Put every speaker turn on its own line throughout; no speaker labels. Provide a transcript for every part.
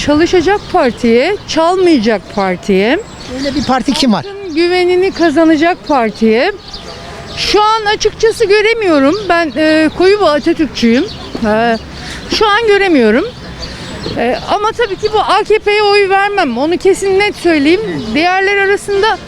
çalışacak partiye, çalmayacak partiye,
Öyle bir parti kim var?
güvenini kazanacak partiye. Şu an açıkçası göremiyorum. Ben koyu bir Atatürkçüyüm. Şu an göremiyorum. Ama tabii ki bu AKP'ye oy vermem. Onu kesin net söyleyeyim. Diğerler arasında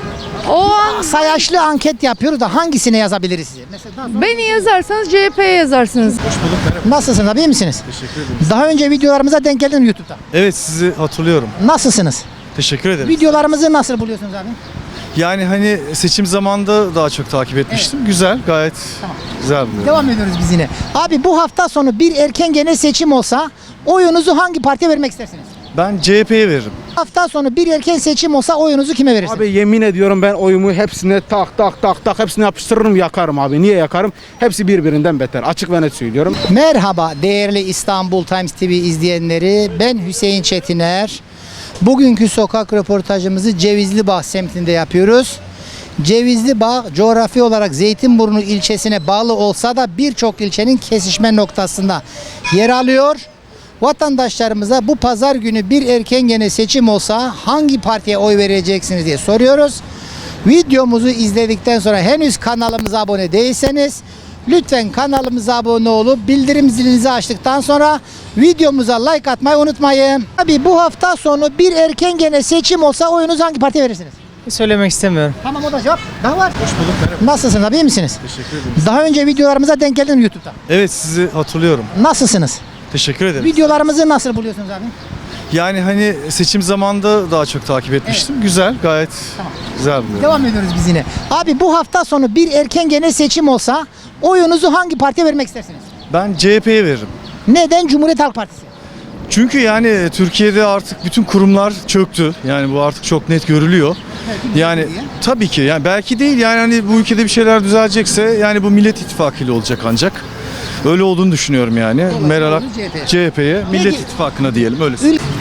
o an
Sayaçlı anket yapıyoruz da hangisine yazabiliriz size? Mesela
beni yazarsanız CHP'ye yazarsınız.
nasılsınız abi, iyi misiniz?
Teşekkür ederim.
Daha önce videolarımıza denk geldin mi YouTube'da?
Evet, sizi hatırlıyorum.
Nasılsınız?
Teşekkür ederim.
Videolarımızı nasıl buluyorsunuz abi?
Yani hani seçim zamanında daha çok takip etmiştim. Güzel, gayet güzel buluyorum.
Devam ediyoruz biz yine. Abi bu hafta sonu bir erken genel seçim olsa oyunuzu hangi partiye vermek istersiniz?
Ben CHP'ye veririm.
Hafta sonu bir erken seçim olsa oyunuzu kime verirsiniz?
Abi yemin ediyorum ben oyumu hepsine tak hepsini yapıştırırım, yakarım abi. Niye yakarım? Hepsi birbirinden beter. Açık ve net söylüyorum.
Merhaba değerli İstanbul Times TV izleyenleri. Ben Hüseyin Çetiner. Bugünkü sokak röportajımızı Cevizlibağ semtinde yapıyoruz. Cevizlibağ coğrafi olarak Zeytinburnu ilçesine bağlı olsa da birçok ilçenin kesişme noktasında yer alıyor. Vatandaşlarımıza bu pazar günü bir erken gene seçim olsa hangi partiye oy vereceksiniz diye soruyoruz. Videomuzu izledikten sonra henüz kanalımıza abone değilseniz lütfen kanalımıza abone olup bildirim zilinizi açtıktan sonra videomuza like atmayı unutmayın. Abi bu hafta sonu bir erken gene seçim olsa oyunuzu hangi partiye verirsiniz?
Söylemek istemiyorum.
Tamam, o da cevap. Daha var. Hoş bulduk. Nasılsınız abi, iyi misiniz?
Teşekkür ederim.
Daha önce videolarımıza denk geldin mi YouTube'da?
Evet, sizi hatırlıyorum.
Nasılsınız?
Teşekkür ederim.
Videolarımızı nasıl buluyorsunuz abi?
Yani hani seçim zamanında daha çok takip etmiştim. Güzel, gayet güzel buluyorum.
Devam ediyoruz biz yine. Abi bu hafta sonu bir erken genel seçim olsa oyunuzu hangi partiye vermek istersiniz?
Ben CHP'ye veririm.
Neden Cumhuriyet Halk Partisi?
Çünkü yani Türkiye'de artık bütün kurumlar çöktü. Yani bu artık çok net görülüyor. Yani tabii ki yani belki değil, yani hani bu ülkede bir şeyler düzelecekse yani bu Millet İttifakı ile olacak ancak. Öyle olduğunu düşünüyorum yani. Meral CHP'ye, Millet İttifakı'na diyelim, öyle.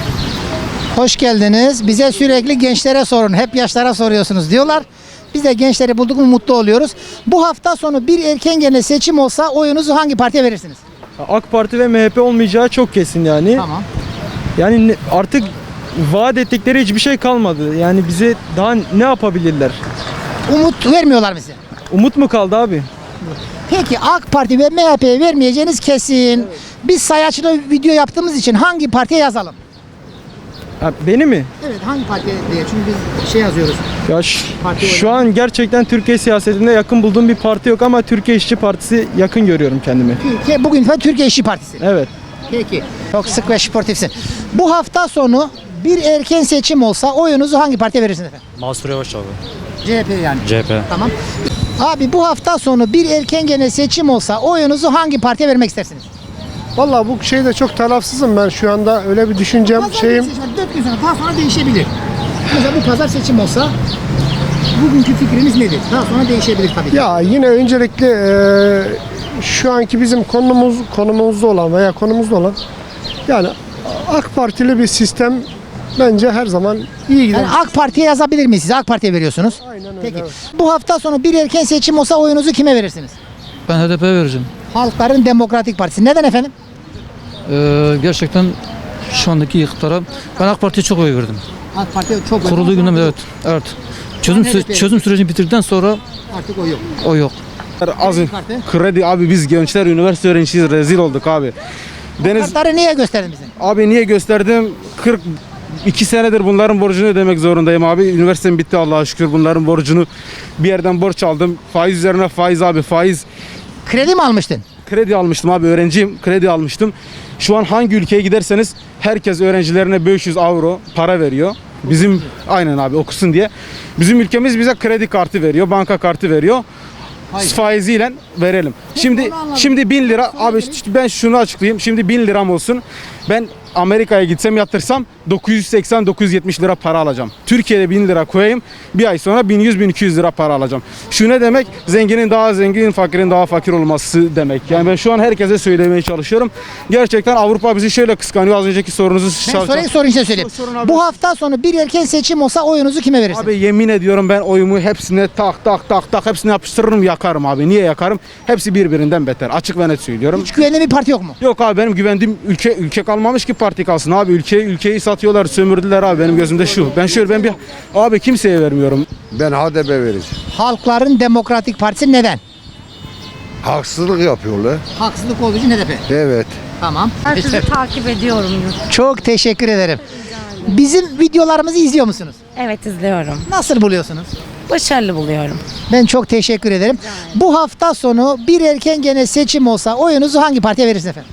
Hoş geldiniz. Bize sürekli gençlere sorun. Hep yaşlara soruyorsunuz diyorlar. Biz de gençleri bulduk mu mutlu oluyoruz. Bu hafta sonu bir erken genel seçim olsa oyunuzu hangi partiye verirsiniz?
AK Parti ve MHP olmayacağı çok kesin yani.
Tamam.
Yani artık vaat ettikleri hiçbir şey kalmadı. Yani bize daha ne yapabilirler?
Umut vermiyorlar bize.
Umut mu kaldı abi?
Peki AK Parti ve MHP'ye vermeyeceğiniz kesin. Biz sayaçlı video yaptığımız için hangi partiye yazalım?
Ha, beni mi?
Evet, hangi partiye diye. Çünkü biz şey yazıyoruz.
Ya şu an gerçekten Türkiye siyasetinde yakın bulduğum bir parti yok ama Türkiye İşçi Partisi yakın görüyorum kendimi.
Bugün Türkiye İşçi Partisi.
Evet.
Peki. Çok sık ve sportifsin. Bu hafta sonu bir erken seçim olsa oyunuzu hangi partiye verirsiniz efendim?
Mansur Yavaş abi.
CHP yani.
CHP.
Tamam. Abi bu hafta sonu bir erken genel seçim olsa oyunuzu hangi partiye vermek istersiniz?
Vallahi bu şeyde çok tarafsızım ben şu anda, öyle bir düşüncem şeyim.
4 gün sonra daha sonra değişebilir. Mesela bu pazar seçim olsa bugünkü fikriniz nedir? Daha sonra değişebilir tabii ki.
Ya yine öncelikle şu anki bizim konumuzda olan veya konumuzda olan yani AK Partili bir sistem bence her zaman iyi gider.
Yani AK Parti'ye yazabilir miyiz? Siz AK Parti'ye veriyorsunuz.
Aynen öyle.
Peki.
Evet.
Bu hafta sonu bir erken seçim olsa oyunuzu kime verirsiniz?
Ben HDP'ye vereceğim.
Halkların Demokratik Partisi. Neden efendim?
Gerçekten şu andaki iktidara ben AK Parti'ye çok oy verdim.
AK Parti'ye çok
Kurulduğu günden beri evet. Evet. Çözüm sürecini bitirdikten sonra
artık o yok.
o yok.
Az
Parti.
kredi abi, biz gençler üniversite öğrencisiyiz, rezil olduk abi. Deniz
Kartları niye gösterdin bize?
abi niye gösterdim? 42 senedir bunların borcunu ödemek zorundayım abi. Üniversitem bitti Allah'a şükür, bunların borcunu bir yerden borç aldım. Faiz üzerine faiz abi, faiz.
Kredi mi almıştın?
Kredi almıştım abi, öğrenciyim, kredi almıştım. Şu an hangi ülkeye giderseniz herkes öğrencilerine 500 euro para veriyor. Bizim aynen abi, okusun diye. Bizim ülkemiz bize kredi kartı veriyor, banka kartı veriyor. Faiziyle verelim. Şimdi 1000 lira abi, ben şunu açıklayayım. Şimdi 1000 liram olsun. Ben Amerika'ya gitsem yatırsam 980-970 lira para alacağım. Türkiye'de 1000 lira koyayım, bir ay sonra 1100-1200 lira para alacağım. Şu ne demek? Zenginin daha zengin, fakirin daha fakir olması demek. Yani ben şu an herkese söylemeye çalışıyorum. Gerçekten Avrupa bizi şöyle kıskanıyor. Az önceki sorunuzu
Sorun size söyleyeyim. Bu hafta sonu bir erken seçim olsa oyunuzu kime verirsiniz?
Abi yemin ediyorum ben oyumu hepsine tak hepsini yapıştırırım, yakarım abi. Niye yakarım? Hepsi birbirinden beter. Açık ve net söylüyorum.
Hiç güvenli bir parti yok mu?
Yok abi, benim güvendiğim ülke kalmamış ki Parti kalsın abi. Ülkeyi satıyorlar, sömürdüler abi. Benim gözümde şu. Ben bir abi kimseye vermiyorum.
Ben HDP vereceğim.
Halkların Demokratik Partisi neden?
Haksızlık yapıyorlar.
Haksızlık olduğu için HDP.
Evet.
Tamam.
Sizi takip ediyorum.
Çok teşekkür ederim. Bizim videolarımızı izliyor musunuz?
Evet, izliyorum.
Nasıl buluyorsunuz?
Başarılı buluyorum.
Ben çok teşekkür ederim. Bu hafta sonu bir erken gene seçim olsa oyunuzu hangi partiye verirsiniz efendim?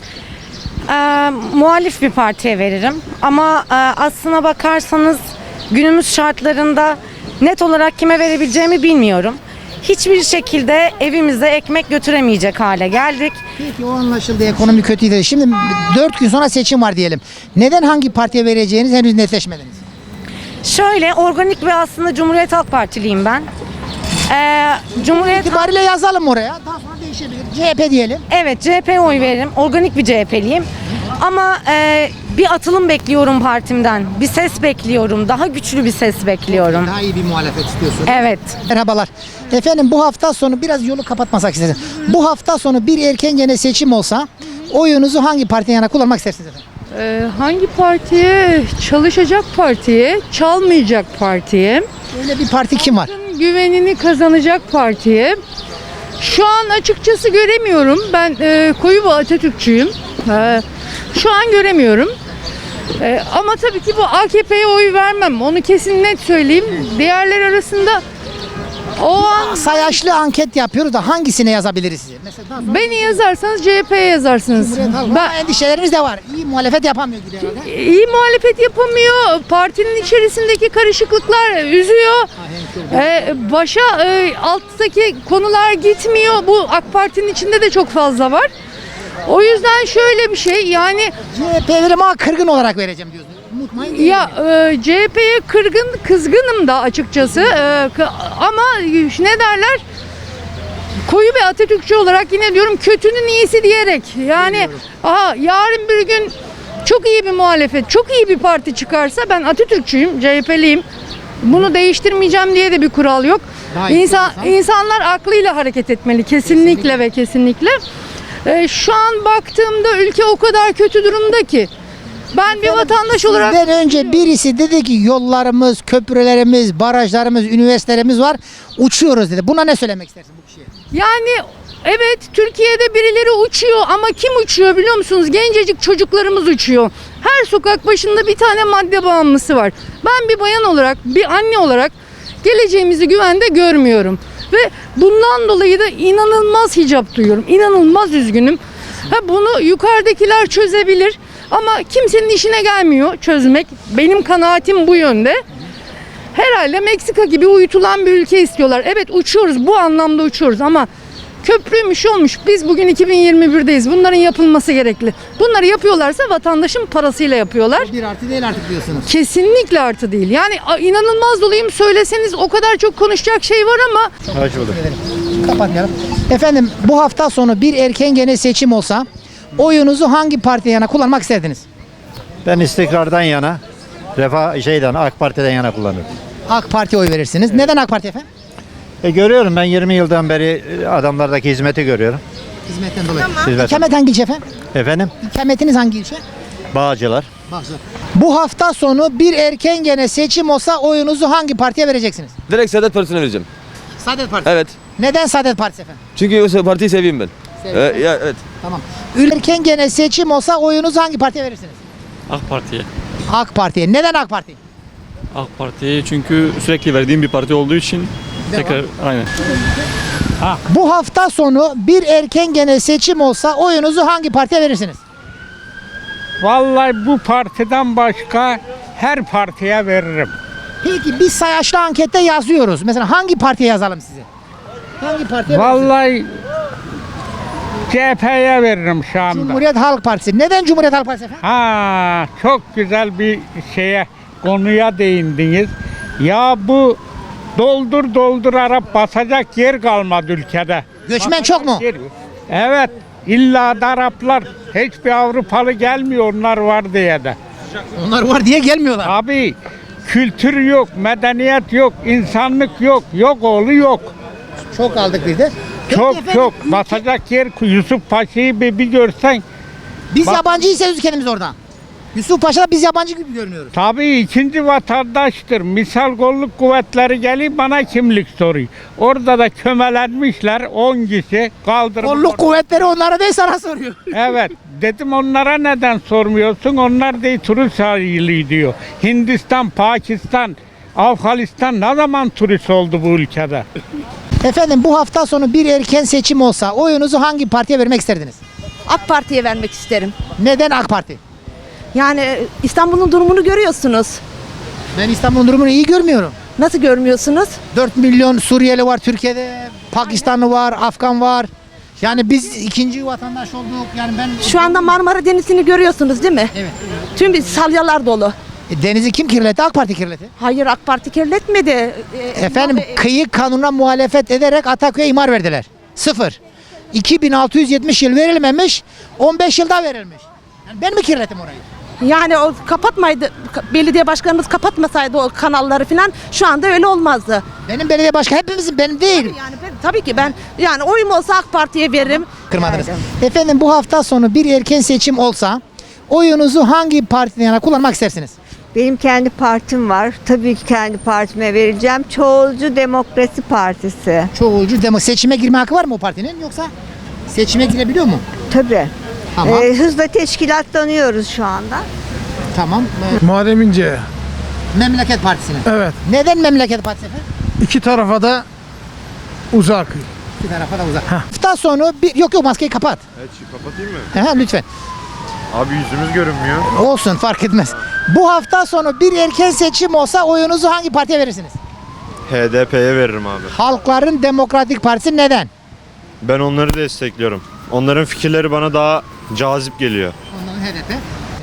Muhalif bir partiye veririm. Ama aslına bakarsanız günümüz şartlarında net olarak kime verebileceğimi bilmiyorum. Hiçbir şekilde evimize ekmek götüremeyecek hale geldik.
Peki o anlaşıldı. Ekonomi kötüydü. Şimdi 4 gün sonra seçim var diyelim. Neden hangi partiye vereceğiniz henüz netleşmediniz?
Şöyle organik ve aslında Cumhuriyet Halk Partiliyim ben. Cumhuriyet
İtibariyle yazalım oraya. Daha sonra değişebilir. CHP diyelim.
Evet, CHP'ye oy veririm. Organik bir CHP'liyim. Ama bir atılım bekliyorum partimden. Bir ses bekliyorum. Daha güçlü bir ses bekliyorum.
Daha iyi bir muhalefet istiyorsun.
Evet.
Merhabalar. Efendim bu hafta sonu biraz yolu kapatmasak istedim. Bu hafta sonu bir erken gene seçim olsa oyunuzu hangi partiye yana kullanmak istersiniz efendim?
Hangi partiye? Çalışacak partiye, çalmayacak partiye,
Öyle bir parti kim var?
güvenini kazanacak partiye. Şu an açıkçası göremiyorum. Ben koyu Atatürkçüyüm. Şu an göremiyorum. Ama tabii ki bu AKP'ye oy vermem. Onu kesin net söyleyeyim. Diğerler arasında o an
Sayaçlı anket yapıyoruz da hangisine yazabiliriz size? Mesela daha sonra
beni yazarsanız CHP'ye yazarsınız.
Cumhuriyet Halk Partisi. Ama endişeleriniz de var. İyi muhalefet yapamıyor gibi herhalde.
İyi muhalefet yapamıyor. Partinin içerisindeki karışıklıklar üzüyor. Başa alttaki konular gitmiyor. Bu AK Parti'nin içinde de çok fazla var. O yüzden şöyle bir şey yani
CHP verim ama kırgın olarak vereceğim diyorsunuz. Unutmayın.
ya CHP'ye kızgınım da açıkçası. Ama ne derler? Koyu ve Atatürkçü olarak yine diyorum kötünün iyisi diyerek. Yani yarın bir gün çok iyi bir muhalefet, çok iyi bir parti çıkarsa ben Atatürkçüyüm, CHP'liyim. Bunu değiştirmeyeceğim diye de bir kural yok. İnsanlar aklıyla hareket etmeli kesinlikle ve kesinlikle. Şu an baktığımda ülke o kadar kötü durumda ki ben bir vatandaş olarak
Sizden önce birisi dedi ki yollarımız, köprülerimiz, barajlarımız, üniversitelerimiz var. Uçuyoruz dedi. Buna ne söylemek istersin bu kişiye?
yani evet Türkiye'de birileri uçuyor ama kim uçuyor biliyor musunuz? Gencecik çocuklarımız uçuyor. Her sokak başında bir tane madde bağımlısı var. Ben bir bayan olarak, bir anne olarak geleceğimizi güvende görmüyorum. Ve bundan dolayı da inanılmaz hicap duyuyorum. İnanılmaz üzgünüm. Bunu yukarıdakiler çözebilir ama kimsenin işine gelmiyor çözmek. Benim kanaatim bu yönde. Herhalde Meksika gibi uyutulan bir ülke istiyorlar. Evet uçuyoruz, bu anlamda uçuyoruz ama köprüymüş olmuş. Biz bugün 2021'deyiz. Bunların yapılması gerekli. Bunları yapıyorlarsa vatandaşın parasıyla yapıyorlar.
Bir artı değil artık diyorsunuz.
Kesinlikle artı değil. Yani inanılmaz doluyum söyleseniz o kadar çok konuşacak şey var ama
Kapatmayalım. Efendim bu hafta sonu bir erken gene seçim olsa oyunuzu hangi partiye yana kullanmak isterdiniz?
Ben istikrardan yana, AK Parti'den yana kullanırım.
AK Parti'ye oy verirsiniz. Neden AK Parti efendim?
Görüyorum ben 20 yıldan beri adamlardaki hizmeti görüyorum.
Hizmetten dolayı.
Hizmet.
İkamet hangi ilçe efendim?
Efendim?
İkametiniz hangi ilçe?
Bağcılar.
Bu hafta sonu bir erken gene seçim olsa oyunuzu hangi partiye vereceksiniz?
Direkt Saadet Partisi'ne vereceğim.
Saadet Partisi.
Evet.
Neden Saadet Partisi efendim?
Çünkü o partiyi seviyorum ben. Evet.
Tamam. Erken gene seçim olsa oyunuzu hangi partiye verirsiniz?
AK Parti'ye.
AK Parti'ye. Neden AK Parti?
AK Parti'ye çünkü sürekli verdiğim bir parti olduğu için tekrar aynen.
Bu hafta sonu bir erken gene seçim olsa oyunuzu hangi partiye verirsiniz?
Vallahi bu partiden başka her partiye veririm.
Peki biz sayaçlı ankette yazıyoruz. Mesela hangi partiye yazalım size? Hangi partiye verirsiniz?
Vallahi CHP'ye veririm şu anda.
Cumhuriyet Halk Partisi. Neden Cumhuriyet Halk Partisi efendim?
Çok güzel bir konuya değindiniz. Ya bu doldur Arap basacak yer kalmadı ülkede.
Göçmen çok mu?
Evet. İlla da Araplar hiçbir Avrupalı gelmiyor onlar var diye de.
Onlar var diye gelmiyorlar.
Abi kültür yok, medeniyet yok, insanlık yok, yok oğlu yok.
Çok aldık biz de. Peki
Çok
efendim,
çok basacak yer Yusuf Paşa'yı bir görsen
Biz yabancıyız kendimiz oradan. Yusuf Paşa'da biz yabancı gibi görünüyoruz.
Tabii ikinci vatandaştır. Misal kolluk kuvvetleri geliyor bana kimlik soruyor. Orada da kömelenmişler 10 kişi kaldırıp.
Kolluk kuvvetleri onlara değil sana soruyor.
Evet. Dedim onlara neden sormuyorsun? Onlar değil turist sahili diyor. Hindistan, Pakistan, Afganistan ne zaman turist oldu bu ülkede?
Efendim bu hafta sonu bir erken seçim olsa oyunuzu hangi partiye vermek isterdiniz?
AK Parti'ye vermek isterim.
Neden AK Parti?
Yani İstanbul'un durumunu görüyorsunuz.
Ben İstanbul'un durumunu iyi görmüyorum.
Nasıl görmüyorsunuz?
4 milyon Suriyeli var Türkiye'de, Pakistanlı var, Afgan var. Yani biz ikinci vatandaş olduk. Yani ben
Şu anda Marmara Denizi'ni görüyorsunuz değil mi?
Evet.
Tüm salyalar dolu.
Denizi kim kirletti? AK Parti kirletti.
Hayır, AK Parti kirletmedi.
Efendim kıyı kanuna muhalefet ederek Ataköy'e imar verdiler. 0. 2670 yıl verilmemiş, 15 yılda verilmiş. Yani ben mi kirlettim orayı?
Yani o kapatmaydı, belediye başkanımız kapatmasaydı o kanalları falan şu anda öyle olmazdı.
Benim belediye başkanı hepimizin, benim değil.
Yani tabii ki ben yani oyum olsa AK Parti'ye veririm.
Kırmadınız. Efendim bu hafta sonu bir erken seçim olsa oyunuzu hangi partiden yana kullanmak istersiniz?
Benim kendi partim var. Tabii ki kendi partime vereceğim. Çoğulcu Demokrasi Partisi.
Çoğulcu seçime girme hakkı var mı o partinin yoksa seçime girebiliyor mu?
Tabii.
Tamam.
Hızla teşkilatlanıyoruz şu anda.
Tamam.
Muharrem İnce.
Memleket Partisi'ne.
Evet.
Neden Memleket Partisi efendim?
İki tarafa da uzak.
İki tarafa da uzak. Hafta sonu yok maskeyi kapat.
Evet, kapatayım mı?
Aha, lütfen.
Abi yüzümüz görünmüyor.
Olsun fark etmez. Bu hafta sonu bir erken seçim olsa oyunuzu hangi partiye verirsiniz?
HDP'ye veririm abi.
Halkların Demokratik Partisi neden?
Ben onları destekliyorum. Onların fikirleri bana daha cazip geliyor.
Onların HDP.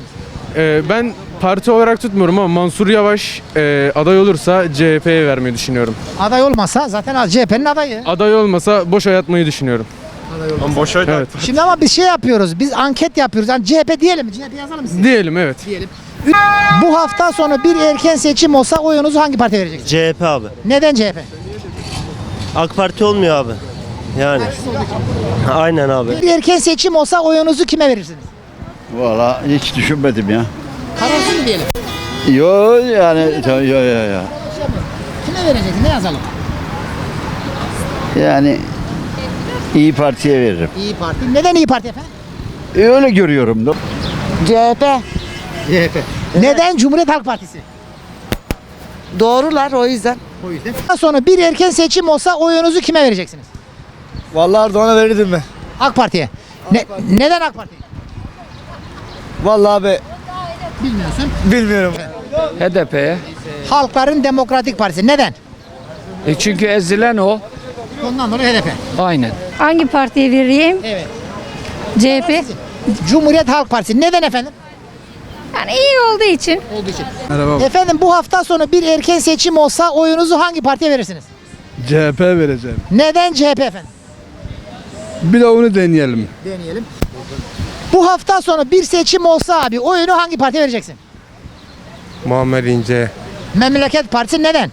Ben parti olarak tutmuyorum ama Mansur Yavaş aday olursa CHP'ye vermeyi düşünüyorum.
Aday olmasa zaten CHP'nin adayı.
Aday olmasa boş oy atmayı düşünüyorum.
Ama boş ver.
Evet.
Şimdi ama biz şey yapıyoruz. Biz anket yapıyoruz. Yani CHP diyelim mi? CHP yazalım mı size?
Diyelim evet.
Diyelim. Bu hafta sonu bir erken seçim olsa oyunuzu hangi partiye vereceksiniz?
CHP abi.
Neden CHP?
AK Parti olmuyor abi. Yani. Aynen abi.
Bir erken seçim olsa oyunuzu kime verirsiniz?
Valla hiç düşünmedim ya.
Kararsız mı diyelim?
Yo yani yo.
Kime vereceksin? Ne yazalım?
Yani İyi Parti'ye veririm.
İyi Parti. Neden İyi Parti efendim?
Öyle görüyorum da.
CHP.
CHP. Neden Cumhuriyet Halk Partisi?
Doğrular o yüzden.
O yüzden. Daha sonra bir erken seçim olsa oyunuzu kime vereceksiniz?
Vallahi Erdoğan'a verirdim ben.
AK Parti'ye. Neden AK Parti?
Vallahi abi
Bilmiyorsun.
bilmiyorum.
HDP'ye.
Halkların Demokratik Partisi. Neden?
Çünkü ezilen o.
Ondan dolayı HDP.
Aynen.
Hangi partiye vereyim?
Evet.
CHP.
Cumhuriyet Halk Partisi. Neden efendim?
Yani iyi olduğu için.
Olduğu için.
Merhaba.
Efendim bu hafta sonu bir erken seçim olsa oyunuzu hangi partiye verirsiniz?
CHP vereceğim.
Neden CHP efendim?
Bir de onu deneyelim.
Deneyelim. Bu hafta sonu bir seçim olsa abi oyunu hangi partiye vereceksin?
Muammer İnce.
Memleket Partisi neden?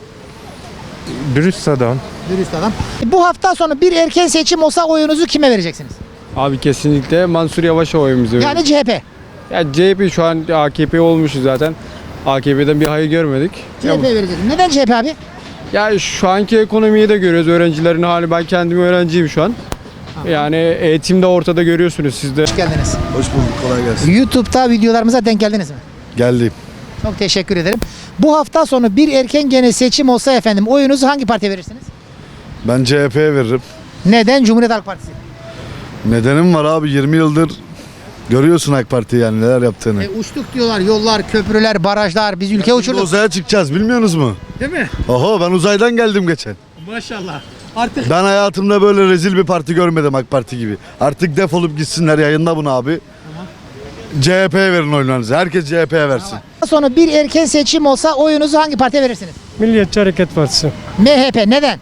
Dürüst adam.
Dürüst adam. Bu hafta sonu bir erken seçim olsa oyunuzu kime vereceksiniz?
Abi kesinlikle Mansur Yavaş'a oyumuzu veriyoruz.
Yani CHP.
Ya CHP şu an AKP olmuşuz zaten. AKP'den bir hayır görmedik.
CHP vereceksin. Neden CHP abi?
Ya şu anki ekonomiyi de görüyoruz. Öğrencilerin hali. Ben kendim öğrenciyim şu an. Yani eğitim de ortada görüyorsunuz siz de.
Hoş geldiniz.
Hoş bulduk, kolay gelsin.
YouTube'da videolarımıza denk geldiniz mi?
Geldim.
Çok teşekkür ederim. Bu hafta sonu bir erken gene seçim olsa efendim oyunuzu hangi partiye verirsiniz?
Ben CHP'ye veririm.
Neden Cumhuriyet Halk Partisi?
Nedenim var abi, 20 yıldır görüyorsun AK Parti yani neler yaptığını.
Uçtuk diyorlar yollar, köprüler, barajlar biz ülke uçurduk.
Uzaya çıkacağız bilmiyorsunuz mu?
Değil mi?
Oho, ben uzaydan geldim geçen.
Maşallah. Artık
Ben hayatımda böyle rezil bir parti görmedim AK Parti gibi. Artık defolup gitsinler, yayınla bunu abi. CHP'ye verin oylarınızı. Herkes CHP'ye versin.
sonra bir erken seçim olsa oyunuzu hangi partiye verirsiniz?
Milliyetçi Hareket Partisi.
MHP. Neden?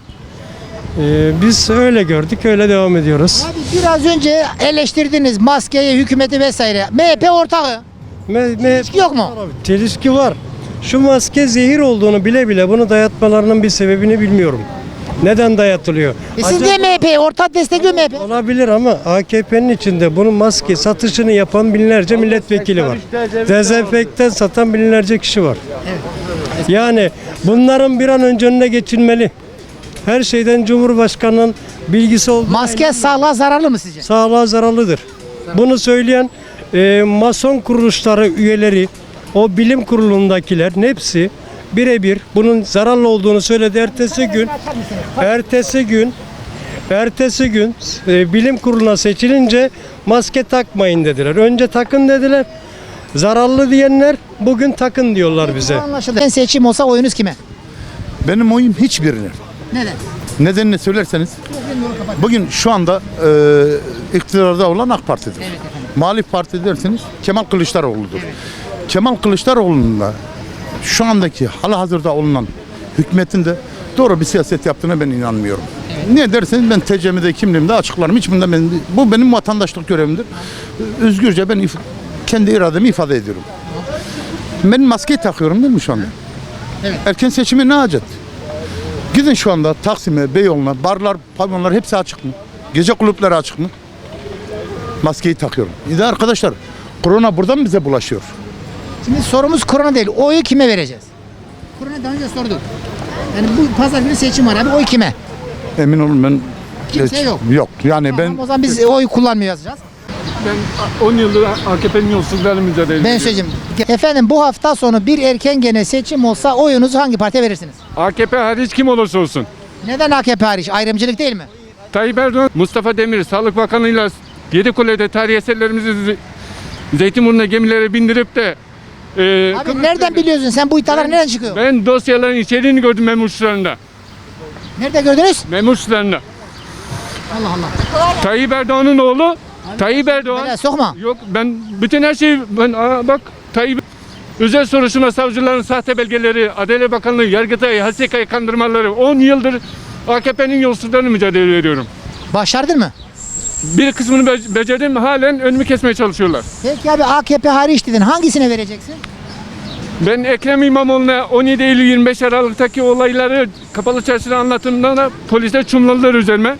Biz öyle gördük, öyle devam ediyoruz.
Abi biraz önce eleştirdiniz maskeyi, hükümeti vesaire. MHP ortağı. Hiç yok mu?
Çelişki var. Şu maske zehir olduğunu bile bile bunu dayatmalarının bir sebebini bilmiyorum.
Neden dayatılıyor?
Siz de MHP, ortak destekliyor MHP.
Olabilir ama AKP'nin içinde bunun maske satışını yapan binlerce milletvekili var. Dezenfektan satan binlerce kişi var. Yani bunların bir an önce önüne geçilmeli. Her şeyden Cumhurbaşkanı'nın bilgisi olduğu.
Maske sağlığa zararlı mı sizce?
Sağlığa zararlıdır. Bunu söyleyen mason kuruluşları üyeleri, o bilim kurulundakilerin hepsi birebir bunun zararlı olduğunu söyledi. Ertesi gün bilim kuruluna seçilince maske takmayın dediler. Önce takın dediler. Zararlı diyenler bugün takın diyorlar bize.
Anlaşıldı. Ben seçim olsa oyunuz kime?
Benim oyum hiçbirine.
Neden?
Nedenini söylerseniz bugün şu anda iktidarda olan AK Parti'dir. Muhalif parti derseniz Kemal Kılıçdaroğlu'dur. Kemal Kılıçdaroğlu'nun da şu andaki halihazırda olunan hükümetin de doğru bir siyaset yaptığına ben inanmıyorum. Niye derseniz ben TCM'de kimliğimde açıklarım. Bu benim vatandaşlık görevimdir. Özgürce ben kendi irademi ifade ediyorum. Ben maskeyi takıyorum değil mi şu anda? Erken seçimi ne acet? Gidin şu anda Taksim'e, Beyoğlu'na, barlar, pavyonlar hepsi açık mı? Gece kulüpleri açık mı? Maskeyi takıyorum. İyi arkadaşlar, korona buradan bize bulaşıyor.
Şimdi sorumuz korona değil. Oyu kime vereceğiz? Korona daha önce sorduk. Yani bu pazar günü seçim var abi. Oy kime?
Emin olun ben...
Kimse yok.
Yok. Yani
Tamam, o zaman biz oy kullanmıyor yazacağız.
Ben 10 yıldır AKP'nin yolsuzluklarla mücadele ediyorum.
Ben söyleyeceğim. Efendim bu hafta sonu bir erken gene seçim olsa oyunuzu hangi partiye verirsiniz?
AKP hariç kim olursa olsun.
Neden AKP hariç? Ayrımcılık değil mi?
Tayyip Erdoğan, Mustafa Demir, Sağlık Bakanı'yla Yedikule'de tarihi eserlerimizi Zeytinburnu'na gemilere bindirip de
Abi nereden biliyorsun? Sen bu iddialar nereden çıkıyor?
ben dosyaların içeriğini gördüm memurlarında.
Nerede gördünüz?
Memurlarında.
Allah Allah.
Tayyip Erdoğan'ın oğlu Tayyip Erdoğan.
Böyle sokma.
Yok ben bütün her şeyi bak Tayyip özel soruşturma savcıların sahte belgeleri, Adalet Bakanlığı, Yargıtay, HSK'yı kandırmaları 10 yıldır AKP'nin yolsuzluklarını mücadele ediyorum.
Başardın mı?
Bir kısmını becerdim, halen önümü kesmeye çalışıyorlar.
Peki abi AKP hariç dedin. Hangisine vereceksin?
Ben Ekrem İmamoğlu'na 17 Eylül 25 Aralık'taki olayları kapalı çarşıda anlattığımda da polisler çumladılar üzerime.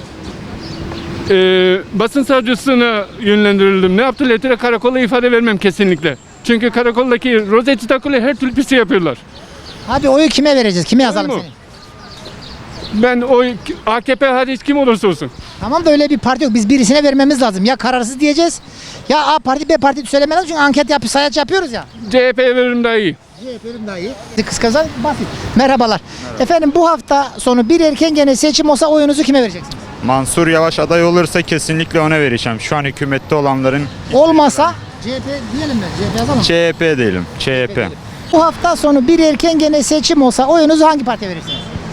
Basın savcısına yönlendirildim. Ne yaptı? Letire karakola ifade vermem kesinlikle. Çünkü karakoldaki rozeti takılı her türlü pisi yapıyorlar.
Abi oyu kime vereceğiz? Kime yazalım
mu?
seni?
Ben AKP hariç kim olursa olsun.
Tamam da öyle bir parti yok. Biz birisine vermemiz lazım. Ya kararsız diyeceğiz. Ya A parti B parti söylemeden çünkü anket sayaç yapıyoruz ya.
CHP'ye veririm daha iyi.
CHP'nin daha iyi. Kıskazan basit. Merhabalar. Efendim bu hafta sonu bir erken gene seçim olsa oyunuzu kime vereceksiniz?
Mansur Yavaş aday olursa kesinlikle ona vereceğim. Şu an hükümette olanların
Olmasa CHP diyelim mi? CHP yazalım mı?
CHP diyelim. CHP.
Bu hafta sonu bir erken gene seçim olsa oyunuzu hangi partiye verirsiniz?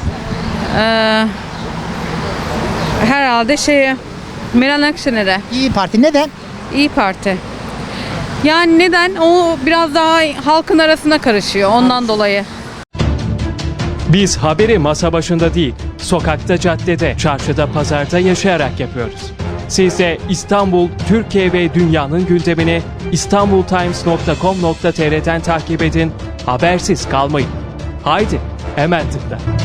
Herhalde Meral Akşener'e.
İyi Parti. Neden?
İyi Parti. Yani neden? O biraz daha halkın arasına karışıyor ondan dolayı.
Biz haberi masa başında değil, sokakta, caddede, çarşıda, pazarda yaşayarak yapıyoruz. Siz de İstanbul, Türkiye ve dünyanın gündemini istanbultimes.com.tr'den takip edin, habersiz kalmayın. Haydi, hemen tıkla.